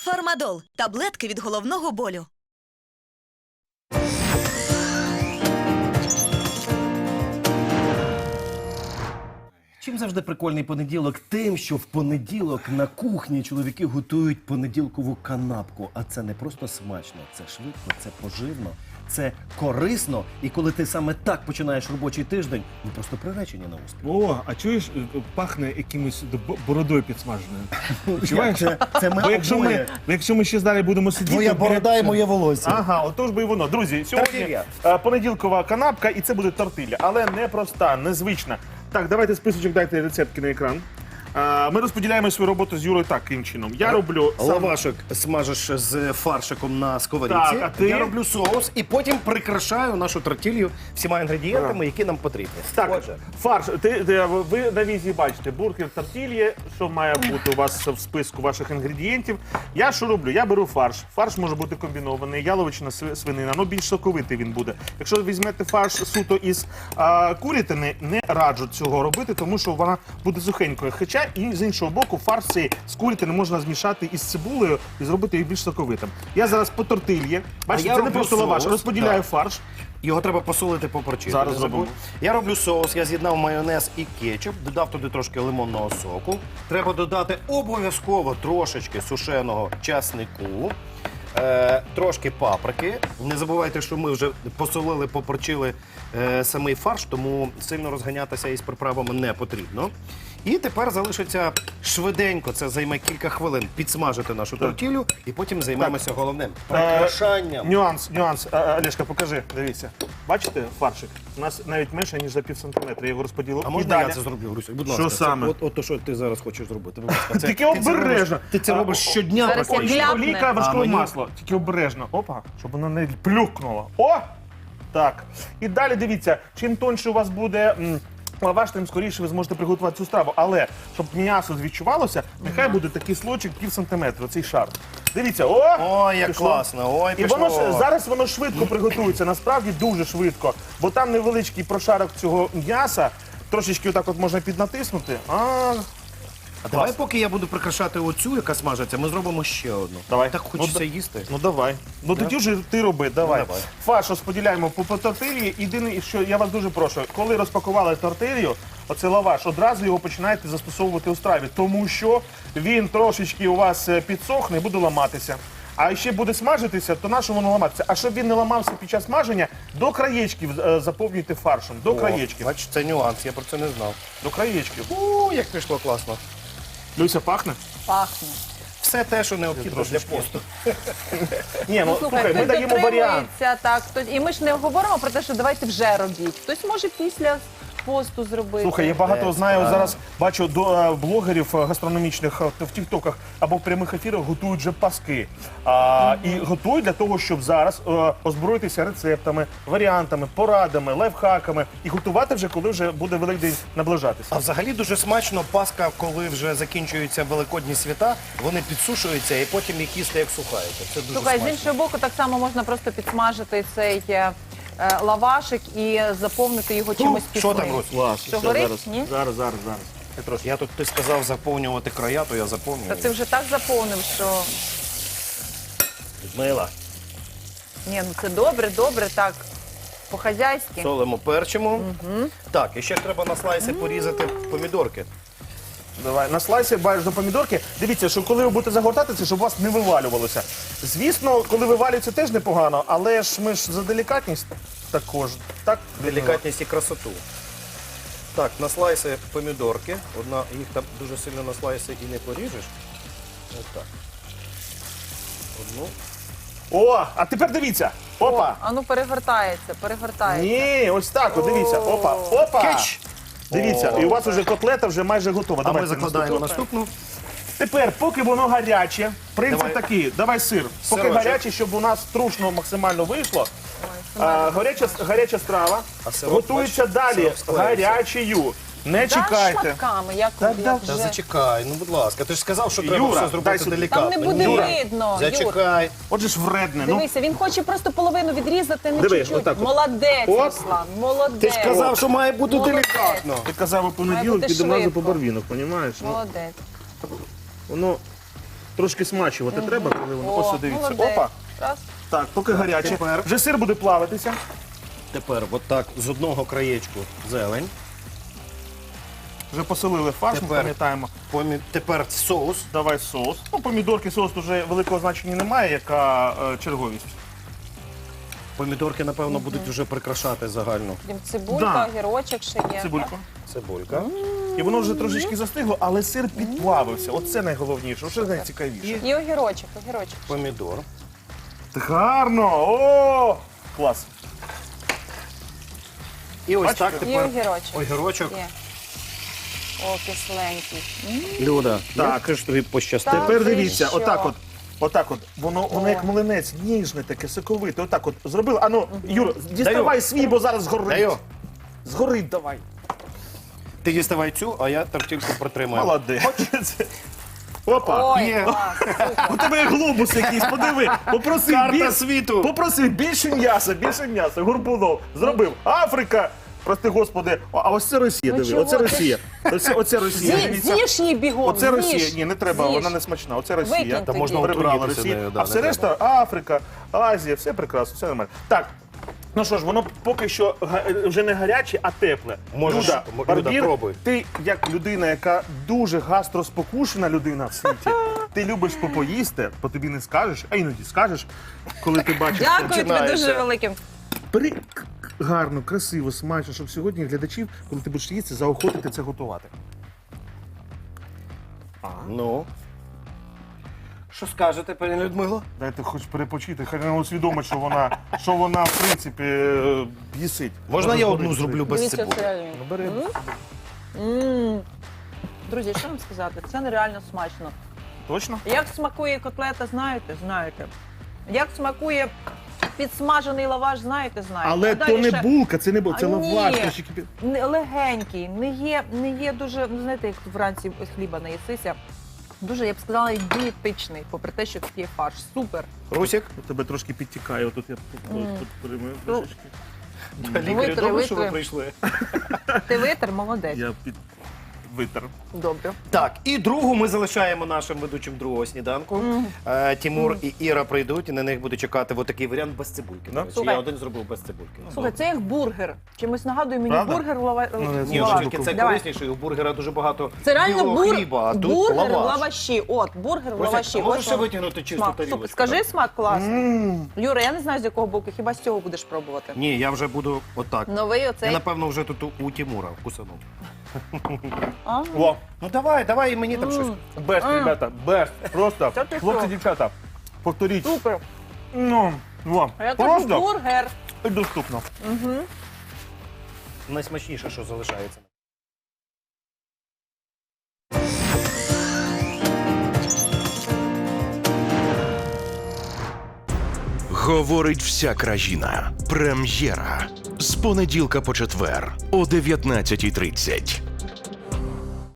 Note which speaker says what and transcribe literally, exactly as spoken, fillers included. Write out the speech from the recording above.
Speaker 1: Фармадол – таблетки від головного болю.
Speaker 2: Чим завжди прикольний понеділок? Тим, що в понеділок на кухні чоловіки готують понеділкову канапку. А це не просто смачно, це швидко, це поживно, це корисно. І коли ти саме так починаєш робочий тиждень, ви просто приречені на успіх.
Speaker 3: О, а чуєш, пахне якимось б- бородою підсмаженою. Відчуваєш?
Speaker 2: Це, це ми
Speaker 3: Бо якщо
Speaker 2: обоє.
Speaker 3: ми, бо якщо ми ще далі будемо сидіти...
Speaker 2: Твоя
Speaker 3: біля-
Speaker 2: борода і моє волосся.
Speaker 3: Ага, отож би і воно. Друзі, сьогодні
Speaker 2: Тортилья.
Speaker 3: е, понеділкова канапка, і це буде тортилля. Але не проста, незвична. Так, давайте списочок, дайте рецептки на екран. Е, Ми розподіляємо свою роботу з Юрою таким чином. Я роблю сам...
Speaker 2: Лавашок смажеш з фаршиком на сковорідці.
Speaker 3: Так, а ти?
Speaker 2: Я роблю соус і потім прикрашаю нашу тортилью всіма інгредієнтами, які нам потрібні.
Speaker 3: Так,
Speaker 2: Отже,
Speaker 3: фарш. Ти, ти- ви на візі бачите бургер тортильє, що має бути у вас в списку ваших інгредієнтів. Я що роблю? Я беру фарш. Фарш може бути комбінований, яловичина, сви- свинина, ну більш соковитий він буде. Якщо ви візьмете фарш суто із а, курятини, не раджу цього робити, тому що вона буде сухенькою. Хоча і з іншого боку, фарш цей з курятини можна змішати із цибулею і зробити їх більш соковитим. Я зараз по тортильє. Бачите,
Speaker 2: я
Speaker 3: це не
Speaker 2: роблю
Speaker 3: просто лаваш.
Speaker 2: соус,
Speaker 3: Розподіляю
Speaker 2: так.
Speaker 3: фарш.
Speaker 2: його треба посолити, поперчити.
Speaker 3: Зараз
Speaker 2: не забудь.
Speaker 3: зробимо.
Speaker 2: Я роблю соус, я з'єднав майонез і кетчуп, додав туди трошки лимонного соку. Треба додати обов'язково трошечки сушеного часнику. Е, трошки паприки. Не забувайте, що ми вже посолили, поперчили е, самий фарш, тому сильно розганятися із приправами не потрібно. І тепер залишиться швиденько, це займе кілька хвилин, підсмажити нашу тортілю і потім займемося головним – прикрашанням.
Speaker 3: Е, Нюанс, нюанс. А, а, Олешка, покажи, дивіться. Бачите фаршик? У нас навіть менше, ніж за пів сантиметра. Я його розподілив.
Speaker 2: А
Speaker 3: І
Speaker 2: можна
Speaker 3: далі.
Speaker 2: я це зроблю, Грусю? Будь
Speaker 3: Що
Speaker 2: ласка, це
Speaker 3: саме?
Speaker 2: От, от то, що ти зараз хочеш зробити. Будь ласка. Це-
Speaker 3: Тільки
Speaker 2: ти це
Speaker 3: обережно.
Speaker 2: робиш- Ти це
Speaker 3: А,
Speaker 2: робиш щодня
Speaker 4: зараз я
Speaker 2: практично.
Speaker 4: гляну.
Speaker 3: Олійка, вершкове
Speaker 2: А, мені-
Speaker 3: масло. Тільки обережно. Опа, щоб воно не плюкнуло. О! Так. І далі дивіться, чим тоньше у вас буде м, лаваш, тим скоріше ви зможете приготувати цю страву. Але, щоб м'ясо відчувалося, нехай буде такий слочик пів сантиметра, цей шар. Дивіться, о!
Speaker 2: Ой, як
Speaker 3: Пішло.
Speaker 2: класно, ой,
Speaker 3: І
Speaker 2: пішло.
Speaker 3: воно ж зараз воно швидко приготується, насправді дуже швидко, бо там невеличкий прошарок цього м'яса, трошечки отак от можна піднатиснути. А,
Speaker 2: А давай, поки я буду прикрашати оцю, яка смажиться, ми зробимо ще одну.
Speaker 3: Давай.
Speaker 2: Так хочеться
Speaker 3: Ну,
Speaker 2: їсти.
Speaker 3: ну давай. Ну тоді вже ти роби, давай.
Speaker 2: Ну, давай.
Speaker 3: Фарш розподіляємо по, по тортилі. Єдине, що я вас дуже прошу, коли розпакували тортилью, оцей лаваш, одразу його починаєте застосовувати у страві, тому що він трошечки у вас е, підсохне і буде ламатися. А ще буде смажитися, то на що воно ламатися? А щоб він не ламався під час смаження, до краєчків е, заповнюйте фаршем. До краєчків.
Speaker 2: Бачиш, це нюанс, я про це не знав.
Speaker 3: До краєчків.
Speaker 2: У, як пішло класно.
Speaker 3: Люся, пахне?
Speaker 4: Пахне.
Speaker 2: Все те, що необхідно для посту.
Speaker 3: Ні, ну слухай, ми
Speaker 4: хтось
Speaker 3: даємо варіант.
Speaker 4: дотримується, так, хтось- і ми ж не говоримо про те, що давайте вже робіть. Хтось може після посту зробити.
Speaker 3: Слухай, я багато
Speaker 2: Е,
Speaker 3: знаю,
Speaker 2: справа.
Speaker 3: зараз бачу до е, блогерів е, гастрономічних е, в тіктоках або в прямих ефірах готують вже паски. А, І готують для того, щоб зараз е, озброїтися рецептами, варіантами, порадами, лайфхаками і готувати вже, коли вже буде Великдень наближатися.
Speaker 2: А взагалі дуже смачно Пасха, коли вже закінчуються великодні свята, вони підсушуються і потім їх їсти як сухаються. Це дуже
Speaker 4: Слухай, з
Speaker 2: смачно.
Speaker 4: іншого боку, так само можна просто підсмажити цей е, е, лавашик і заповнити його чимось
Speaker 2: що
Speaker 4: пісним.
Speaker 2: там, Русь?
Speaker 3: Клас.
Speaker 4: Що
Speaker 3: Все,
Speaker 4: горить?
Speaker 3: зараз,
Speaker 4: Ні?
Speaker 3: зараз, зараз, зараз. Я трошки.
Speaker 2: Я тут, ти сказав заповнювати края, то я заповнюю.
Speaker 4: Та ти вже так заповнив, що
Speaker 2: Людмила,
Speaker 4: ні, ну це добре, добре, так, по-хазяйськи.
Speaker 2: солимо, перчимо. Так, і ще ж треба на слайси порізати помідорки.
Speaker 3: Давай, на слайсі бачиш до помідорки. Дивіться, що коли ви будете загортати це, щоб у вас не вивалювалося. Звісно, коли вивалюється, теж непогано, але ж ми ж за делікатність також. Так,
Speaker 2: Делікатність і красоту. Так, на слайси помідорки. Одна, їх там дуже сильно на слайси і не поріжеш. Ось так. Одну.
Speaker 3: О, а тепер дивіться. Опа.
Speaker 4: А ну перегортається, перегортається.
Speaker 3: Ні, ось так, от дивіться. Опа, опа.
Speaker 2: Кетч!
Speaker 3: Дивіться, і у вас вже котлета вже майже готова.
Speaker 2: А
Speaker 3: Давайте
Speaker 2: ми закладаємо
Speaker 3: наступну.
Speaker 2: наступну.
Speaker 3: Тепер, поки воно гаряче, принцип
Speaker 2: Давай.
Speaker 3: такий, давай сир. Поки
Speaker 2: Сирочок.
Speaker 3: гаряче, щоб у нас трушно максимально вийшло. А, гаряча, гаряча страва
Speaker 2: А сироп,
Speaker 3: готується
Speaker 2: бачиш,
Speaker 3: далі
Speaker 2: сироп склеївся.
Speaker 3: гарячою. Не
Speaker 4: Да,
Speaker 3: чекайте.
Speaker 4: шматками, як,
Speaker 3: Так,
Speaker 4: як
Speaker 3: да.
Speaker 2: Та
Speaker 4: вже.
Speaker 2: зачекай, ну будь ласка, ти ж сказав, що треба
Speaker 3: Юра,
Speaker 2: все
Speaker 3: дай
Speaker 2: зробити
Speaker 3: сюди.
Speaker 2: делікатно.
Speaker 4: Там не буде
Speaker 2: Юра,
Speaker 4: видно, Юр.
Speaker 2: Зачекай.
Speaker 3: Отже ж вредне. Ну,
Speaker 4: Дивися, він хоче просто половину відрізати, не
Speaker 3: Диви,
Speaker 4: чуть-чуть.
Speaker 3: отак от.
Speaker 4: Молодець,
Speaker 3: Оп.
Speaker 4: Руслан, молодець.
Speaker 2: Ти ж казав, що має бути
Speaker 4: Молодець.
Speaker 2: делікатно.
Speaker 3: ти казав у
Speaker 4: Має
Speaker 3: понеділок,
Speaker 4: бути
Speaker 3: підемо разу
Speaker 4: швидко.
Speaker 3: по барвінок, розумієш? Ну,
Speaker 4: Молодець.
Speaker 3: воно трошки смачувати треба, коли воно.
Speaker 4: О,
Speaker 3: Ось, дивіться.
Speaker 4: молодець.
Speaker 3: Опа.
Speaker 4: Раз.
Speaker 3: Так, поки гаряче.
Speaker 2: тепер.
Speaker 3: Вже сир буде плавитися.
Speaker 2: Тепер отак з одного краєчку зелень.
Speaker 3: Вже посолили фарш, ми
Speaker 2: Тепер.
Speaker 3: пам'ятаємо.
Speaker 2: Помі- Тепер соус.
Speaker 3: Давай соус. Ну, помідорки, соус вже великого значення немає, яка е, черговість.
Speaker 2: Помідорки, напевно, будуть вже прикрашати загальну
Speaker 4: Потім цибулька,
Speaker 3: Да.
Speaker 4: огірочок ще є.
Speaker 3: Цибульку.
Speaker 2: цибулька.
Speaker 3: І воно вже трошечки застигло, але сир підплавився. Оце найголовніше, оце найцікавіше.
Speaker 4: І огірочок, огірочок.
Speaker 2: Помідор.
Speaker 3: Так гарно! О! Клас.
Speaker 2: І ось
Speaker 3: Бачите?
Speaker 2: так
Speaker 4: І
Speaker 2: тепер
Speaker 4: огірочок.
Speaker 2: огірочок.
Speaker 4: Є. О, кисленький.
Speaker 2: Люда,
Speaker 3: Так.
Speaker 2: як ж тобі пощастило.
Speaker 4: Так.
Speaker 3: Тепер
Speaker 4: ти
Speaker 3: дивіться,
Speaker 4: що?
Speaker 3: отак от. Отак от, воно, воно як млинець, ніжне таке, соковите. Отак от зробили. Ану, Юр, діставай
Speaker 2: Даю.
Speaker 3: свій, бо зараз згорить.
Speaker 2: Даю.
Speaker 3: Згорить давай.
Speaker 2: Ти діставай цю, а я тортильку протримаю.
Speaker 3: Молодець. Опа.
Speaker 4: Ой,
Speaker 2: Є.
Speaker 4: клас, супер.
Speaker 3: У тебе є глобус якийсь, подиви. Попроси
Speaker 2: Карта
Speaker 3: біль-
Speaker 2: світу.
Speaker 3: Попроси більше м'яса, більше м'яса. Горбунов зробив. Африка. Прости господи, а а ось це Росія,
Speaker 4: Ну
Speaker 3: диви,
Speaker 4: чого
Speaker 3: оце
Speaker 4: ти?
Speaker 3: Росія. Оце, оце Росія.
Speaker 4: Зі-
Speaker 3: Дивіться.
Speaker 4: З'їж її бігом,
Speaker 3: Оце
Speaker 4: з'їж.
Speaker 3: Росія. Ні, не треба,
Speaker 4: З'їж.
Speaker 3: вона не смачна. Оце Росія.
Speaker 4: Викинь
Speaker 2: Та можна
Speaker 4: тоді.
Speaker 3: Прибрали
Speaker 2: отруїтися
Speaker 3: Росію.
Speaker 2: нею, да,
Speaker 3: А
Speaker 2: не
Speaker 3: все
Speaker 2: треба.
Speaker 3: решта Африка, Азія, все прекрасно, все нормально. Так. Ну що ж, воно поки що га- вже не гаряче, а тепле.
Speaker 2: Можеш,
Speaker 3: Люда,
Speaker 2: Люда,
Speaker 3: Барбір,
Speaker 2: пробуй.
Speaker 3: ти як людина, яка дуже гастроспокушена людина в світі, ти любиш попоїсти, по тобі не скажеш, а іноді скажеш, коли ти бачиш. це.
Speaker 4: Дякую тобі
Speaker 2: починається.
Speaker 4: дуже великим.
Speaker 3: Бери к- к- гарно, красиво, смачно, щоб сьогодні глядачів, коли ти будеш їсти, заохотити це готувати.
Speaker 2: Ну. Що скажете, пані Людмило?
Speaker 3: Дайте хоч перепочити, хай вона усвідомить, що вона, що вона в принципі е, бісить.
Speaker 2: Можна я
Speaker 3: Може,
Speaker 2: одну
Speaker 3: згорить.
Speaker 2: зроблю без
Speaker 4: Дивіться,
Speaker 2: цибулі?
Speaker 4: це реально.
Speaker 3: Ну, бери.
Speaker 4: М. Друзі, що вам сказати? Це нереально смачно.
Speaker 3: Точно?
Speaker 4: Як смакує котлета, знаєте? Знаєте. Як смакує підсмажений лаваш, знаєте, знаєте.
Speaker 3: Але
Speaker 4: А
Speaker 3: то
Speaker 4: далі
Speaker 3: не
Speaker 4: ще
Speaker 3: булка, це не булка, це
Speaker 4: А, ні.
Speaker 3: лаваш. трошки пі-
Speaker 4: не- легенький, не є, не є дуже, ну знаєте, як вранці хліба наїсися. Дуже, я б сказала, дієтичний, попри те, що тут є фарш. Супер.
Speaker 2: Русік?
Speaker 3: У тебе трошки підтікає, отут я тут, тут перемию
Speaker 4: Ну,
Speaker 3: трошечки.
Speaker 2: Лікарі,
Speaker 4: Витри,
Speaker 2: добре, що ви
Speaker 4: витри.
Speaker 2: прийшли.
Speaker 4: Ти витер, молодець.
Speaker 3: Я під витер.
Speaker 4: Добре.
Speaker 2: Так, і другу ми залишаємо нашим ведучим другого сніданку. Е, Тімур і Іра прийдуть, і на них буде чекати отакий варіант без цибульки.
Speaker 3: Да?
Speaker 2: До речі.
Speaker 4: Слухай.
Speaker 2: Я один зробив без цибульки.
Speaker 4: Слухай, це як бургер. Чимось нагадує мені
Speaker 3: Правда?
Speaker 4: бургер в лава...
Speaker 3: Ну, не
Speaker 4: в
Speaker 3: знаю.
Speaker 2: Ні,
Speaker 4: лаваші.
Speaker 2: тільки це
Speaker 4: Давай.
Speaker 2: корисніше, і у бургера дуже багато
Speaker 4: Це реально
Speaker 2: білого
Speaker 4: бур...
Speaker 2: хліба, а тут
Speaker 4: бургер в
Speaker 2: лаваш.
Speaker 4: лаваші. От, бургер в
Speaker 2: Русик,
Speaker 4: лаваші.
Speaker 2: а можеш
Speaker 4: Ось
Speaker 2: ще
Speaker 4: воно.
Speaker 2: витягнути чисту
Speaker 4: Смак.
Speaker 2: тарілочку?
Speaker 4: Супер. Скажи смак класний.
Speaker 3: М.
Speaker 4: Юра, я не знаю, з якого боку, хіба з цього будеш пробувати.
Speaker 2: Ні, я вже буду отак.
Speaker 4: Новий
Speaker 2: Я,
Speaker 4: оцей.
Speaker 2: напевно, вже тут у- у Тімура вкусанув.
Speaker 4: А?
Speaker 3: О,
Speaker 2: Ну давай, давай і мені там щось.
Speaker 3: бест,
Speaker 4: М.
Speaker 3: ребята, бест. Просто,
Speaker 4: Та ти
Speaker 3: хлопці,
Speaker 4: що?
Speaker 3: дівчата, повторіть.
Speaker 4: Супер.
Speaker 3: Ну, о,
Speaker 4: А я кажу
Speaker 3: просто
Speaker 4: бургер.
Speaker 3: і доступно.
Speaker 2: Найсмачніше, що залишається.
Speaker 5: Говорить вся країна. Прем'єра. З понеділка по четвер о дев'ятнадцятій тридцять.